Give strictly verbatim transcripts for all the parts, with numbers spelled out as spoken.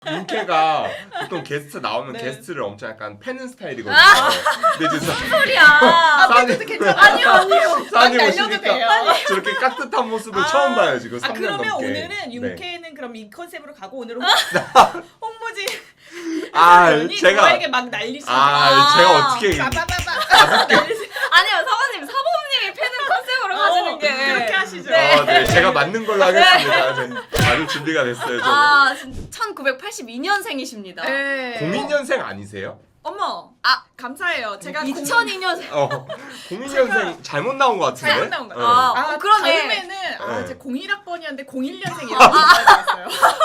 윤케가 보통 게스트 나오면 네. 게스트를 엄청 약간 패는 스타일이거든요. 아. 근데 이제 무슨 소리야? 아, 사장님- 팬도 괜찮아. 아니요 아니요. 사장님 막 날려도 오시니까 돼요. 저렇게 깍듯한 모습을 아. 처음 봐요 지금 아 삼 년 그러면 넘게. 오늘은 네. 윤케는 그럼 이 컨셉으로 가고 오늘은 홍, 홍무진 아 의원이 제가 저에게 막 날리시고 아 제가 어떻게 빠바바바 아니요 사모님 사모님이 패는 컨셉으로 가시는 게 그렇게 하시죠. 네. 어, 네, 제가 맞는 걸로 하겠습니다. 네. 아주 준비가 됐어요. 저는. 아 천구백팔십이 년생이십니다. 네. 공이 년생 아니세요? 어머 아 감사해요. 제가 이천이 년생. 어, 공이 년생 잘못 나온 것 같은데. 잘못 나온 거 네. 아, 아 어, 그러네. 다음에는 아, 네. 제 공일 학번이었는데 공일 년생이라고 말했어요.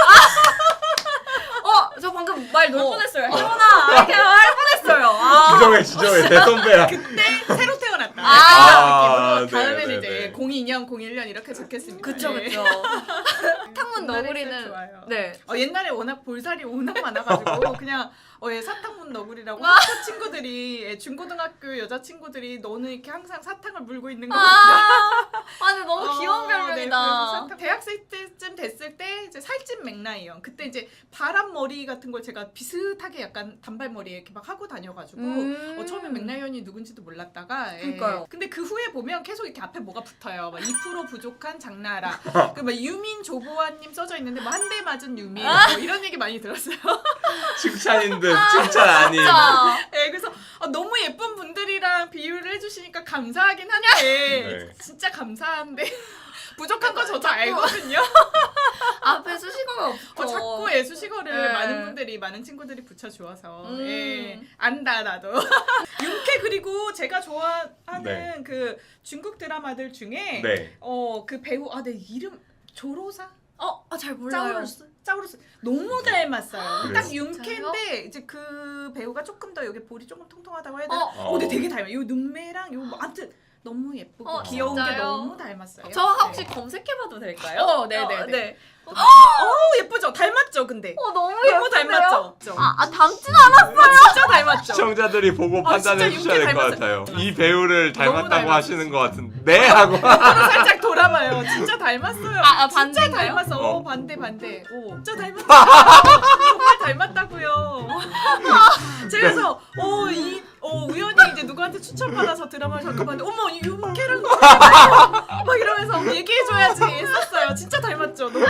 어, 저 방금 말 놓을 어. 뻔했어요. 혜원아, 이렇게 말 뻔했어요. 아. 지정해 지정해 대선배야. 그때 새로 태어났다. 아, 그런 느낌으로 다음에는 네, 이제 네, 네. 공이 년, 공일 년 이렇게 적겠습니다. 그쵸, 네. 그쵸. 탕문 옛날에 너구리는 진짜 좋아요. 네. 어, 옛날에 워낙 볼살이 워낙 많아가지고 그냥 어, 예, 사탕문 너구리라고 아. 학교 친구들이 예, 중고등학교 여자 친구들이 너는 이렇게 항상 사탕을 물고 있는 거. 아, 아, 근데 너무 어, 귀여운 네, 그래서 별명이다. 사탕- 대학생 때쯤 됐을 때 이제 살찐 맥라이언 그때 이제 바람 머리 같은 걸 제가 비슷하게 약간 단발머리에 이렇게 막 하고 다녀가지고 음. 어, 처음에 맥라이언이 누군지도 몰랐다가 예. 그러니까요. 근데 그 후에 보면 계속 이렇게 앞에 뭐가 붙어요. 막 이 퍼센트 부족한 장나라. 그막 유민 조보아님 써져 있는데 뭐 한 대 맞은 유민 뭐 이런 얘기 많이 들었어요. 칭찬인 듯 칭찬 아닌. 진짜. 예, 그래서 어, 너무 예쁜 분들이랑 비유를 해주시니까 감사하긴 한데 네. 진짜 감사한데 부족한 거 저도 알거든요. 앞에 수식어가 없어. 어, 자꾸 예수식어를 네. 많은 분들이 많은 친구들이 붙여주어서 음. 예, 안다 나도. 윤케 그리고 제가 좋아하는 네. 그 중국 드라마들 중에 네. 어 그 배우 아 내 이름 조로사 어, 아, 잘 몰라요. 짜우루스 짜우루스 너무 닮았어요. 딱 그래요? 윤케인데 이제 그 배우가 조금 더 여기 볼이 조금 통통하다고 해야 되나? 어, 어, 근데 되게 닮아. 요 눈매랑 요 뭐, 아무튼 너무 예쁘고 어, 귀여운 게 진짜요? 너무 닮았어요. 저 혹시 검색해봐도 될까요? 어, 네네네. 어, 네. 어, 예쁘죠? 닮았죠, 근데. 어, 너무 너무 예쁜데요? 닮았죠? 죠 아, 아 닮진 않았어. 진짜 닮았죠? 시청자들이 보고 아, 판단해 진짜 주셔야 될 것 윤케 같아요. 이 배우를 너무 닮았다고 닮았어요. 하시는 것 같은데 네 하고. 서로 살짝 돌아봐요. 진짜 닮았어요. 아, 아, 진짜 반대인가요? 닮았어. 어. 어, 반대 반대. 오, 진짜 닮았어. 정말 닮았다고요. 그래서 어, 이 어, 우연히 이제 누구한테 추천받아서 드라마를 잠깐 봤는데 어머 이 윤케랑 막 이러면서 얘기해줘야지 했었어요. 진짜 닮았죠. 너무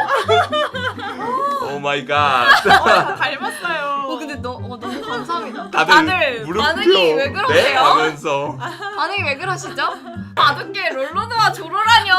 예쁘죠. 오 마이 갓. 어, 다 닮았어요. 어, 근데 너, 어, 너무 감사합니다. 다들, 다들 무릎 반응이 꿇어. 왜 네? 그러세요? 하면서 반응이 왜 그러시죠? 바둑계 롤로드와 조로라뇨.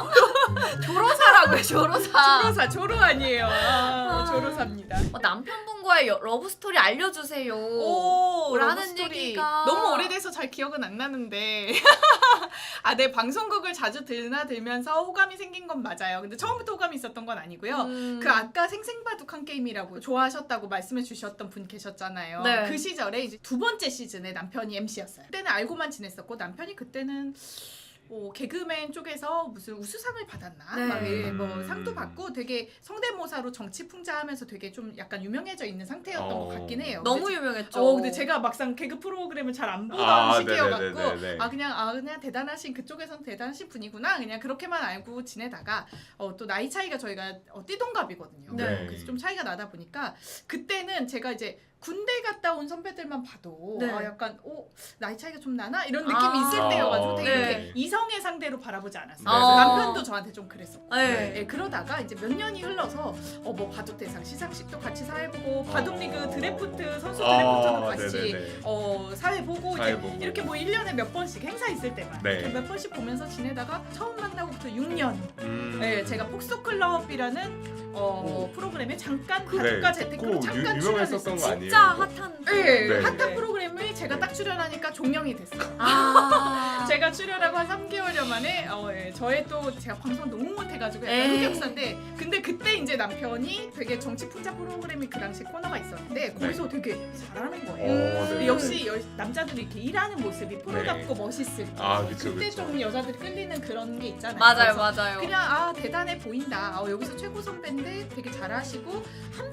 조로사라고요, 조로사. 조로사 조로 아니에요. 아, 조로사입니다. 어, 남편분과의 여- 러브 스토리 알려주세요. 오, 라는 러브스토리. 얘기가 너무 오래돼서 잘 기억은 안 나는데 아, 네 방송국을 자주 드나들면서 호감이 생긴 건 맞아요. 근데 처음부터 호감이 있었던 건 아니고요. 음. 그 아까 생생바둑한 게임이라고 좋아하셨다고 말씀해 주셨던 분 계셨잖아요. 네. 그 시절에 이제 두 번째 시즌에 남편이 엠씨였어요. 그때는 알고만 지냈었고 남편이 그때는 뭐 개그맨 쪽에서 무슨 우수상을 받았나? 네. 막 예, 뭐 음. 상도 받고 되게 성대모사로 정치 풍자하면서 되게 좀 약간 유명해져 있는 상태였던 어. 것 같긴 해요. 너무 근데 유명했죠. 어, 근데 제가 막상 개그 프로그램을 잘 안 보던 아, 시기여갖고 네네네네네. 아 그냥 아 그냥 대단하신 그쪽에선 대단하신 분이구나 그냥 그렇게만 알고 지내다가 어, 또 나이 차이가 저희가 어, 띠동갑이거든요. 네. 그래서 좀 차이가 나다 보니까 그때는 제가 이제 군대 갔다 온 선배들만 봐도 네. 아 약간 어 나이 차이가 좀 나나 이런 느낌이 아. 있을 때여가지고 되게 네. 이렇게 이성의 상대로 바라보지 않았어요. 네, 그래서 네. 남편도 저한테 좀 그랬었고. 네. 예, 그러다가 이제 몇 년이 흘러서 어 뭐 바둑 대상 시상식도 같이 사회 보고 바둑 리그 어. 드래프트 선수 아, 드래프트도 같이 네네네. 어 사회 보고 사회 이제 보고. 이렇게 뭐 일 년에 몇 번씩 행사 있을 때만 네. 이렇게 몇 번씩 보면서 지내다가 처음 만나고부터 육 년 음. 네, 제가 폭스클럽이라는 어, 프로그램에 잠깐 그래. 바둑과 재테크로 꼭 잠깐 유- 유명했었던 출연했어요. 거 아니에요? 진짜 핫한. 네, 네. 핫한 네. 프로그램에 제가 딱 출연하니까 종영이 됐어요. 아. 제가 출연하고 한 삼 개월여 만에 어, 예, 저의 또 제가 방송 너무 못해가지고 약간 에이. 흑역사인데 근데 그때 이제 남편이 되게 정치 풍자 프로그램이 그 당시 코너가 있었는데 거기서 되게 잘하는 거예요. 어, 근데 네네네. 역시 여, 남자들이 이렇게 일하는 모습이 프로답고 네. 멋있을 때 아, 그쵸, 그때 그쵸. 좀 여자들이 끌리는 그런 게 있잖아요. 맞아요, 그래서 맞아요. 그냥 아 대단해 보인다. 아, 여기서 최고 선배인데 되게 잘하시고 한 명 한 명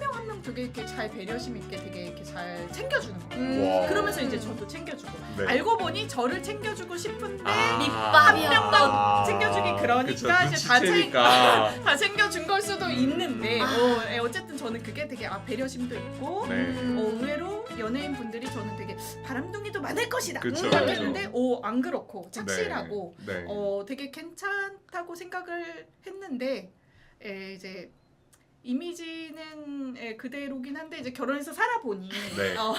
되게 이렇게 잘 배려심 있게 되게 이렇게 잘 챙겨주는 거예요. 음. 와. 그러면서 이제 저도 챙겨주고 네. 알고 보니 저를 챙겨주고 싶은데 아. 밑밥이야. 한 명만 챙겨주기 그러니까 그쵸, 이제 다, 챙, 눈치채니까. 다 챙겨준 걸 수도 있는데 아. 어, 예, 어쨌든 저는 그게 되게 아, 배려심도 있고 네. 어, 의외로 연예인 분들이 저는 되게 바람둥이도 많을 것이다 그쵸, 생각했는데 오, 안 그렇고 착실하고 네. 네. 어, 되게 괜찮다고 생각을 했는데 에, 이제 이미지는 예, 그대로긴 한데 이제 결혼해서 살아보니 네. 어,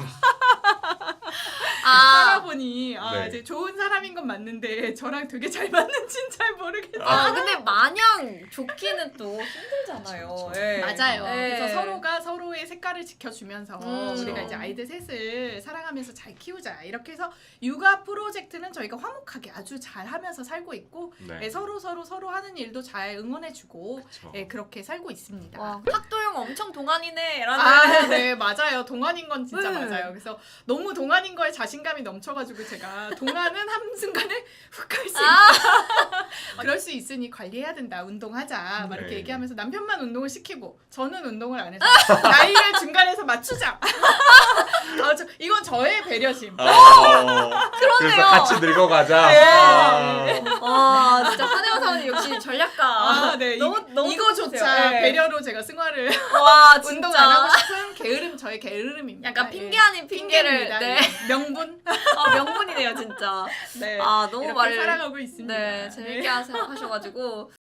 아, 살아보니 아, 네. 이제 좋은 사람인 건 맞는데 저랑 되게 잘 맞는지는 잘 모르겠어요. 아 근데 마냥 좋기는 또 힘들잖아요. 그쵸, 그쵸. 예. 맞아요. 예. 그래서 서로가 서로의 색깔을 지켜주면서 음. 우리가 이제 아이들 셋을 사랑하면서 잘 키우자 이렇게 해서 육아 프로젝트는 저희가 화목하게 아주 잘하면서 살고 있고 네. 예, 서로 서로 서로 하는 일도 잘 응원해주고 그쵸. 예, 그렇게 살고 있습니다. 와 학도형 엄청 동안이네라는. 아, 네, 맞아요. 동안인 건 진짜 네. 맞아요. 그래서 너무 동안인 거에 자신감이 넘쳐가지고 제가 동안은 한순간에 훅 갈 수 아. 있다. 그럴 수 있으니 관리해야 된다. 운동하자. 막 이렇게 네. 얘기하면서 남편만 운동을 시키고 저는 운동을 안 해서 나이를 중간에서 맞추자. 아, 저, 이건 저의 배려심. 아, 그래서 같이 늙어가자. 네. 아. 와 진짜 한혜원 사원님 역시 전략가. 아, 네. 너무 이, 너무 이거조차 좋으세요. 네. 배려로 제가 승화를 와 진짜. 운동 안 하고 싶은 게으름 저의 게으름입니다. 약간 예. 핑계 아닌 핑계를. 핑계입니다. 네. 예. 명분. 아 명분이네요 진짜. 네. 아 너무 이렇게 말을. 살아가고 있습니다. 네 재밌게 하셔- 하셔가지고